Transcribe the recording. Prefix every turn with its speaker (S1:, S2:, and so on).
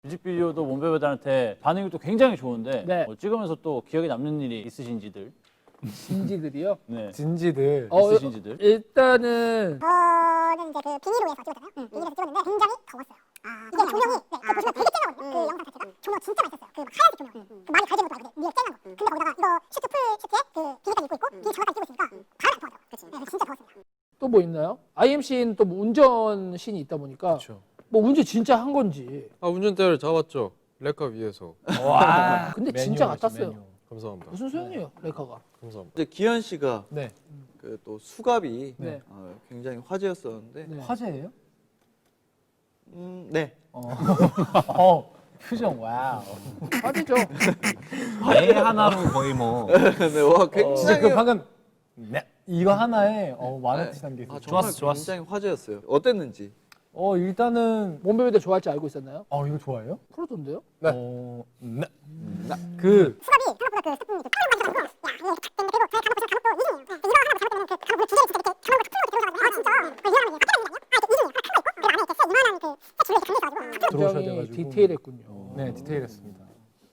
S1: 뮤직비디오도 몬베베들한테 반응이 또 굉장히 좋은데
S2: 네.
S1: 찍으면서 또 기억에 남는 일이 있으신지들?
S2: 진지들이요?
S1: 네.
S3: 진지들.
S1: 있으신지들?
S2: 일단은
S4: 저는 이제 그 비닐로에서 찍었잖아요. 비닐에서 찍었는데 굉장히 더웠어요. 이게 조명이 그거 보시면 되게 쨍하거든요. 그 영상 자체가 조명 진짜 많이 썼어요. 그 막 하얀색 조명. 그 많이 갈지는 것도 아니고 위에 쨍한 거. 근데 거기다가 이거 슈트 풀 슈트에 그 비닐까지 입고 비닐 장갑까지 끼고 있으니까 바람이 안 통하더라고요. 네, 진짜 더웠습니다.
S2: 또 뭐 있나요? IMC는 또 뭐 운전 씬이 있다 보니까
S3: 그렇죠.
S2: 뭐 운전 진짜 한 건지.
S5: 아 운전대를 잡았죠. 레카 위에서.
S3: 와.
S2: 근데 진짜 같았어요.
S5: 감사합니다.
S2: 무슨 소용이에요, 레카가?
S5: 감사합니다.
S6: 이제 기현 씨가
S3: 네.
S6: 그 또 수갑이
S2: 네.
S6: 굉장히 화제였었는데
S2: 네.
S3: 화제예요?
S6: 네.
S3: 표정 와우.
S2: 화제죠.
S7: 애 하나로 거의 뭐
S6: 네, 와 굉장히
S3: 진짜 그 방금 네. 이거 하나에 만원치 담겨 있어요.
S6: 정말
S1: 좋았어.
S6: 굉장히 화제였어요. 어땠는지.
S3: 일단은
S2: 몬베베들 좋아할지 알고 있었나요?
S3: 이거 좋아해요?
S2: 프로던데요?
S3: 네. 그
S4: 수갑이 생각보다 그 스푼이
S3: 들어오셔야
S2: 굉장히
S3: 돼가지고.
S2: 디테일했군요.
S3: 네, 디테일했습니다.